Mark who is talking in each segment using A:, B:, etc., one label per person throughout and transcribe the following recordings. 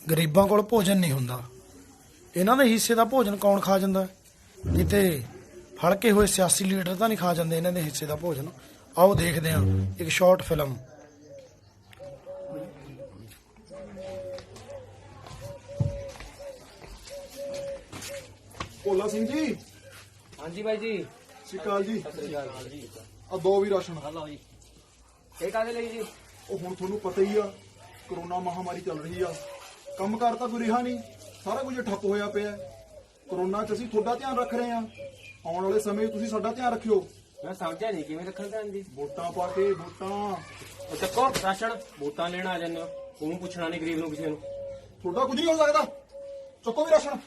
A: ਗਰੀਬਾਂ ਕੋਲ ਭੋਜਨ ਨਹੀਂ ਹੁੰਦਾ। ਇਹਨਾਂ ਦੇ ਹਿੱਸੇ ਦਾ ਭੋਜਨ ਕੌਣ ਖਾ ਜਾਂਦਾ? ਕਿਤੇ ਹਲਕੇ ਹੋਏ ਸਿਆਸੀ ਲੀਡਰ ਤਾਂ ਨਹੀਂ ਖਾ ਜਾਂਦੇ ਇਹਨਾਂ ਦੇ ਹਿੱਸੇ ਦਾ ਭੋਜਨ। ਆਓ ਦੇਖਦੇ ਹਾਂ ਇੱਕ ਸ਼ਾਰਟ ਫਿਲਮ।
B: ਭੋਲਾ ਸਿੰਘ ਜੀ।
C: ਹਾਂਜੀ ਬਾਈ ਜੀ।
B: ਸਤਿ ਸ਼੍ਰੀ ਅਕਾਲ ਜੀ।
C: ਸਤਿ ਸ੍ਰੀ ਅਕਾਲ ਜੀ।
B: ਆ ਦੋ ਵੀ ਰਾਸ਼ਨ।
C: ਹਲੋ ਜੀ। ਇਹ ਕਾਹਦੇ ਲਈ ਜੀ?
B: ਉਹ ਹੁਣ ਤੁਹਾਨੂੰ ਪਤਾ ਹੀ ਆ, ਕਰੋਨਾ ਮਹਾਮਾਰੀ ਚੱਲ ਰਹੀ ਆ, ਕੰਮਕਾਰ ਤਾਂ ਕੋਈ ਰਿਹਾ ਨਹੀਂ, ਸਾਰਾ ਕੁਝ ਠੱਪ ਹੋਇਆ ਪਿਆ। ਕਰੋਨਾ 'ਚ ਅਸੀਂ ਤੁਹਾਡਾ ਧਿਆਨ ਰੱਖ ਰਹੇ ਆ, ਆਉਣ ਵਾਲੇ ਸਮੇਂ 'ਚ ਤੁਸੀਂ ਸਾਡਾ ਧਿਆਨ ਰੱਖਿਓ।
C: ਮੈਂ ਸਮਝਿਆ ਨਹੀਂ ਕਿਵੇਂ ਰੱਖਣ ਧਿਆਨ ਜੀ।
B: ਵੋਟਾਂ ਪਾ ਕੇ ਵੋਟਾਂ।
C: ਉਹ ਚੱਕੋ ਰਾਸ਼ਨ, ਵੋਟਾਂ ਲੈਣ ਆ ਜਾਂਦੇ ਹੋ, ਤੂੰ ਪੁੱਛਣਾ ਨਹੀਂ ਗਰੀਬ ਨੂੰ ਕਿਸੇ ਨੂੰ।
B: ਤੁਹਾਡਾ ਕੁਝ ਨਹੀਂ ਹੋ ਸਕਦਾ। ਚੱਕੋ ਵੀ ਰਾਸ਼ਨ।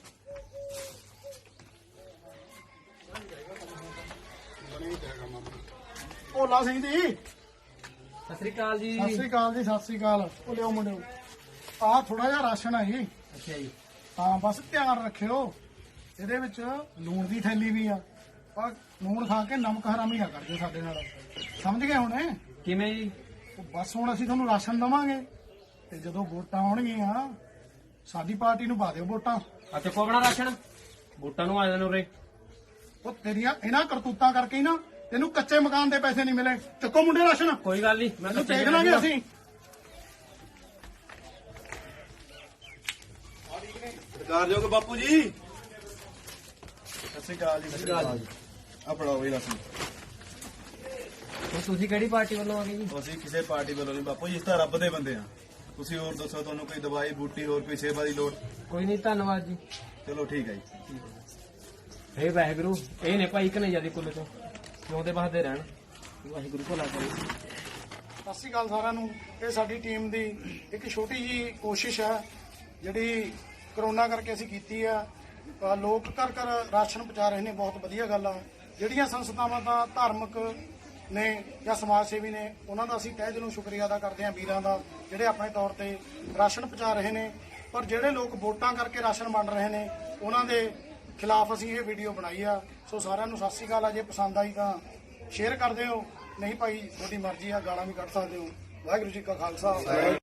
B: ਭੋਲਾ ਸਿੰਘ ਜੀ।
C: ਸਤਿ ਸ੍ਰੀ ਅਕਾਲ ਜੀ।
A: ਸਤਿ ਸ੍ਰੀ ਅਕਾਲ ਜੀ। ਸਤਿ ਸ੍ਰੀ ਅਕਾਲ। ਉਹ ਲਿਓ ਮੁੰਡਿਓ, ਆਹ ਥੋੜਾ ਜਿਹਾ ਰਾਸ਼ਨ ਹੈ ਜੀ।
C: ਅੱਛਾ ਜੀ।
A: ਹਾਂ ਬਸ ਧਿਆਨ ਰੱਖਿਓ, ਇਹਦੇ ਵਿੱਚ ਲੂਣ ਦੀ ਥੈਲੀ ਵੀ ਆ, ਪਰ ਲੂਣ ਖਾ ਕੇ ਨਮਕ ਹਰਾਮੀ ਨਾ ਕਰਦੇ ਸਾਡੇ ਨਾਲ, ਸਮਝ ਗਏ ਹੁਣ?
C: ਕਿਵੇਂ ਜੀ?
A: ਉਹ ਬਸ ਹੁਣ ਅਸੀਂ ਤੁਹਾਨੂੰ ਰਾਸ਼ਨ ਦੇਵਾਂਗੇ ਤੇ ਜਦੋਂ ਵੋਟਾਂ ਆਉਣਗੀਆਂ ਸਾਡੀ ਪਾਰਟੀ ਨੂੰ ਪਾ ਦਿਓ ਵੋਟਾਂ।
C: ਆ ਚੱਕੋ ਆਪਣਾ ਰਾਸ਼ਨ, ਵੋਟਾਂ ਨੂੰ ਆ ਜਾਣ ਉਰੇ।
A: ਉਹ ਤੇਰੀਆਂ ਇਹਨਾਂ ਕਰਤੂਤਾਂ ਕਰਕੇ ਹੀ ਨਾ ਤੈਨੂੰ ਕੱਚੇ ਮਕਾਨ ਦੇ ਪੈਸੇ ਨਹੀਂ ਮਿਲੇ। ਚੱਕੋ ਮੁੰਡੇ ਰਾਸ਼ਨ।
C: ਕੋਈ ਗੱਲ ਨਹੀਂ, ਮੈਂ
A: ਤੈਨੂੰ ਦੇਖ ਲਾਂਗੇ ਅਸੀਂ।
B: ਸਰਕਾਰਯੋਗ ਬਾਪੂ ਜੀ। ਸਤਿ ਸ਼੍ਰੀ ਅਕਾਲ ਜੀ। ਸਤਿ ਸ਼੍ਰੀ ਅਕਾਲ ਜੀ। ਆ ਫੜਾਓ ਵੀ ਰਾਸ਼ਨ।
C: ਤੁਸੀਂ ਕਿਹੜੀ ਪਾਰਟੀ ਵੱਲੋਂ ਆ ਗਏ ਜੀ?
D: ਅਸੀਂ ਕਿਸੇ ਪਾਰਟੀ ਵੱਲੋਂ ਨਹੀਂ ਬਾਪੂ ਜੀ, ਇਸ ਤਾਂ ਰੱਬ ਦੇ ਬੰਦੇ ਆ। ਤੁਸੀਂ ਹੋਰ ਦੱਸੋ, ਤੁਹਾਨੂੰ ਕੋਈ ਦਵਾਈ ਬੂਟੀ ਹੋਰ ਕੋਈ ਸੇਵਾ ਦੀ ਲੋੜ?
C: ਕੋਈ ਨਹੀਂ, ਧੰਨਵਾਦ ਜੀ।
D: ਚਲੋ ਠੀਕ ਹੈ ਜੀ।
C: ਹੇ ਵਾਹਿਗੁਰੂ, ਇਹ ਨੇ ਭਾਈ ਕਨਈਆ ਦੇ ਕੁੱਲ ਤੋਂ, ਜਿਉਂਦੇ ਵਸਦੇ ਰਹਿਣ, ਵਾਹਿਗੁਰੂ ਭਲਾ ਕਰੇ।
A: ਸਤਿ ਸ਼੍ਰੀ ਅਕਾਲ ਸਾਰਿਆਂ ਨੂੰ। ਇਹ ਸਾਡੀ ਟੀਮ ਦੀ ਇੱਕ ਛੋਟੀ ਜੀ ਕੋਸ਼ਿਸ਼ ਹੈ ਜਿਹੜੀ ਕਰੋਨਾ ਕਰਕੇ ਅਸੀਂ ਕੀਤੀ ਆ। ਲੋਕ ਘਰ ਘਰ ਰਾਸ਼ਨ ਪਹੁੰਚਾ ਰਹੇ ਨੇ, ਬਹੁਤ ਵਧੀਆ ਗੱਲ ਆ। ਜਿਹੜੀਆਂ ਸੰਸਥਾਵਾਂ ਤਾਂ ਧਾਰਮਿਕ ਨੇ ਜਾਂ ਸਮਾਜ ਸੇਵੀ ਨੇ, ਉਹਨਾਂ ਦਾ ਅਸੀਂ ਤਹਿ ਦਿਲੋਂ ਸ਼ੁਕਰੀਆ ਅਦਾ ਕਰਦੇ ਹਾਂ, ਵੀਰਾਂ ਦਾ, ਜਿਹੜੇ ਆਪਣੇ ਤੌਰ ਤੇ ਰਾਸ਼ਨ ਪਹੁੰਚਾ ਰਹੇ ਨੇ। ਪਰ ਜਿਹੜੇ ਲੋਕ ਵੋਟਾਂ ਕਰਕੇ ਰਾਸ਼ਨ ਵੰਡ ਰਹੇ ਨੇ, ਉਹਨਾਂ ਦੇ ਖਿਲਾਫ ਅਸੀਂ ਇਹ ਵੀਡੀਓ ਬਣਾਈ ਆ। ਸੋ ਸਾਰਿਆਂ ਨੂੰ ਸਤਿ ਸ਼੍ਰੀ ਅਕਾਲ ਆ। ਜੇ ਪਸੰਦ ਆਈ ਤਾਂ ਸ਼ੇਅਰ ਕਰ ਦਿਓ, ਨਹੀਂ ਭਾਈ ਤੁਹਾਡੀ ਮਰਜ਼ੀ ਆ, ਗਾਲਾਂ ਵੀ ਕੱਢ ਸਕਦੇ ਹੋ। ਵਾਹਿਗੁਰੂ ਜੀ ਕਾ ਖਾਲਸਾ।